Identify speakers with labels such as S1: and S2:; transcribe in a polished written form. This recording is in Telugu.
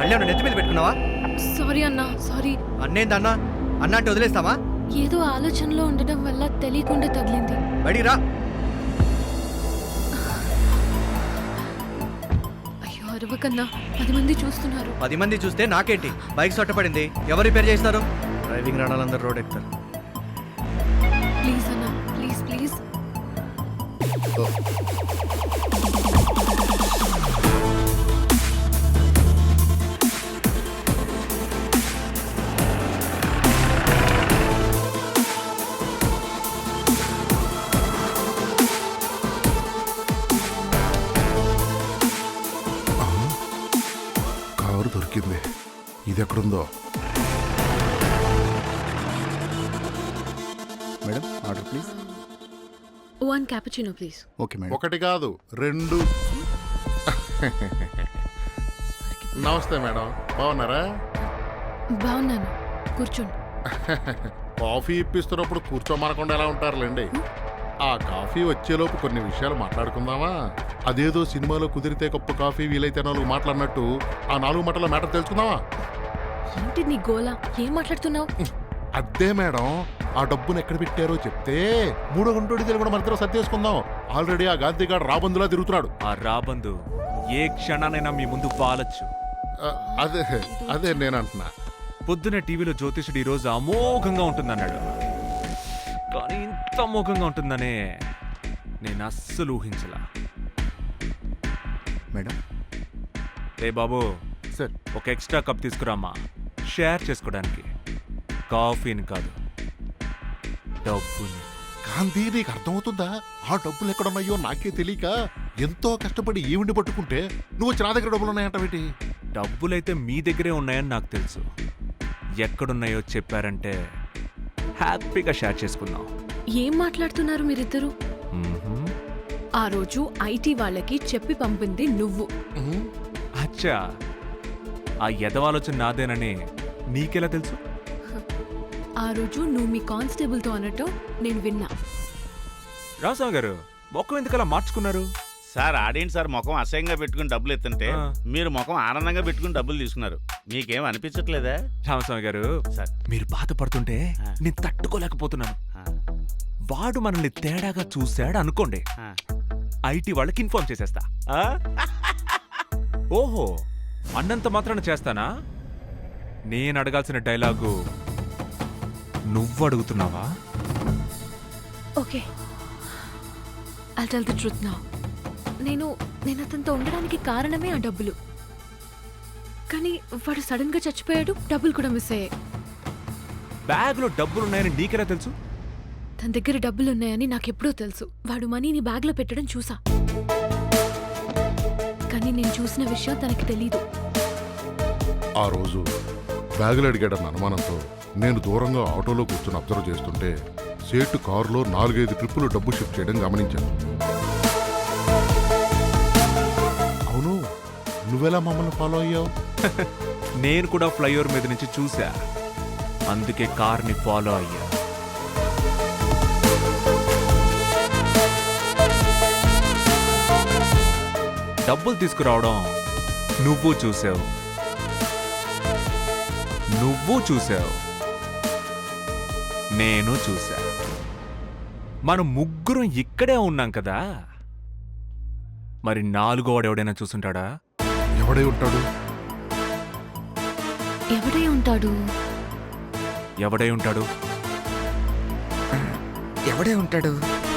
S1: వెళ్ళాను నెత్తి మీద పెట్టుకున్నావా?
S2: సారీ అన్నా, సారీ.
S1: అన్నేందన్నా? అన్న అంటే వదిలేస్తావా?
S2: ఏదో ఆలోచనలో ఉండడం వల్ల తెలియకుండా తగిలింది.
S1: బయటికి రా.
S2: అయ్యో అరవకన్నా, 10 మంది చూస్తున్నారు.
S1: 10 మంది చూస్తే నాకేంటి? బైక్ సొట్టపడింది, ఎవరు రిపేర్ చేస్తారు? డ్రైవింగ్ రాడాలందరూ రోడ్ ఎక్కుతారు.
S2: ప్లీజ్ అన్నా, ప్లీజ్ ప్లీజ్.
S3: కారు దొరికింది. ఇది ఎక్కడుందో?
S4: Madam order please.
S2: 1 cappuccino please.
S4: Okay madam.
S3: ఒకటి కాదు 2. నమస్తే మేడం, బాగున్నారా?
S2: బాగున్నాను, కూర్చోండి.
S3: కాఫీ ఇప్పిస్తున్నప్పుడు కూర్చోమనకుండా ఎలా ఉంటారులేండి. ఆ కాఫీ వచ్చేలోపు కొన్ని విషయాలు మాట్లాడుకుందామా? అదేదో సినిమాలో కుదిరితే కప్పు కాఫీ వీలైతే 4 మాట్లాడినట్టు ఆ 4 మాటల మ్యాటర్ తెలుసుకుందామా?
S2: ఏంటి నీ గోలా? ఏం మాట్లాడుతున్నావు?
S3: అదే మేడం, ఆ డబ్బును ఎక్కడ పెట్టారో చెప్తే 3 గంటోడి కూడా మన ఇద్దరం సర్దేసుకుందాం. ఆల్రెడీ ఆ గాంధీగాడు రాబందులా తిరుగుతున్నాడు.
S5: ఆ రాబందు ఏ క్షణానైనా మీ ముందు పాలచ్చు.
S3: అదే అదే నేను అంటున్నా.
S5: పొద్దునే టీవీలో జ్యోతిషుడు ఈరోజు అమోఘంగా ఉంటుందన్నాడు, కానీ ఇంత అమోఘంగా ఉంటుందనే నేను అస్సలు ఊహించలా.
S4: మేడం
S5: రే బాబు,
S3: సార్
S5: ఒక ఎక్స్ట్రా కప్ తీసుకురామ్మా, షేర్ చేసుకోవడానికి. కాఫీని కాదు, డబ్బుని.
S3: గాంధీ నీకు అర్థమవుతుందా? ఆ డబ్బులు ఎక్కడున్నాయో నాకే తెలియక ఎంతో కష్టపడి ఈవిని పట్టుకుంటే నువ్వు వచ్చి నా దగ్గర డబ్బులు ఉన్నాయంటవేటి?
S5: డబ్బులైతే మీ దగ్గరే ఉన్నాయని నాకు తెలుసు. ఎక్కడున్నాయో చెప్పారంటే హ్యాపీగా షేర్ చేసుకుందాం.
S2: ఏం మాట్లాడుతున్నారు మీరిద్దరు?
S5: మ్మ్హ్మ్.
S2: ఆ రోజు ఐటీ వాళ్ళకి చెప్పి పంపింది నువ్వు.
S5: అచ్చా, ఆ ఎదవాలోచన నాదేనని నీకెలా తెలుసు?
S2: ఆ రోజు నువ్వు మీ కానిస్టేబుల్తో అన్నట్టు నేను విన్నా.
S5: రామస్వామి గారు, మొక్కం ఎందుకలా మార్చుకున్నారు?
S6: సార్ ఆడియన్స్ సార్ ముఖం అసహ్యంగా పెట్టుకుని డబ్బులు ఎత్తుంటే
S5: ఆ.
S6: మీరు ముఖం ఆనందంగా పెట్టుకుని డబ్బులు తీసుకున్నారు. మీకేం అనిపించట్లేదా?
S5: రామస్వామి గారు,
S6: సార్
S5: మీరు బాధపడుతుంటే
S6: ఆ.
S5: నేను తట్టుకోలేకపోతున్నాను.
S6: ఆ,
S5: వాడు మనల్ని తేడాగా చూశాడు అనుకోండి,
S6: ఆ.
S5: ఐటీ వాళ్ళకి ఇన్ఫార్మ్ చేసేస్తా. ఆ? ఓహో, అన్నంత మాత్రాన చేస్తానా? నేను అడగాల్సిన డైలాగు నువ్వు అడుగుతున్నావా?
S2: Okay, I'll tell the truth now. నేను అతనితో ఉండడానికి కారణమే ఆ డబ్బులు. కానీ వాడు సడన్ గా చచ్చిపోయాడు, డబ్బులు కూడా మిస్ అయ్యాయి.
S5: బ్యాగ్ లో డబ్బులున్నాయని నీకెలా తెలుసు?
S2: తన దగ్గర డబ్బులు ఉన్నాయని నాకెప్పుడో తెలుసు. వాడు మనీని బ్యాగ్ లో పెట్టడం చూసా, కానీ నేను చూసిన విషయం తనకి తెలీదు.
S3: ఆ రోజు బ్యాగులు అడిగాడన్న అనుమానంతో నేను దూరంగా ఆటోలో కూర్చొని అబ్జర్వ్ చేస్తుంటే సేటు కారులో 4-5 ట్రిప్పులు డబ్బు షిఫ్ట్ చేయడం గమనించాను. అవును, నువ్వెలా మమ్మల్ని ఫాలో అయ్యావు?
S5: నేను కూడా ఫ్లైఓవర్ మీద నుంచి చూసా, అందుకే కార్ని ఫాలో అయ్యా. డబ్బులు తీసుకురావడం నువ్వు చూసావు, నేను చూసా. మనం ముగ్గురం ఇక్కడే ఉన్నాం కదా, మరి 4వ వాడు ఎవడైనా చూసుంటాడా?
S3: ఎవడై ఉంటాడు?
S2: ఎవడై ఉంటాడు?
S5: ఎవడై ఉంటాడు?
S7: ఎవడే ఉంటాడు?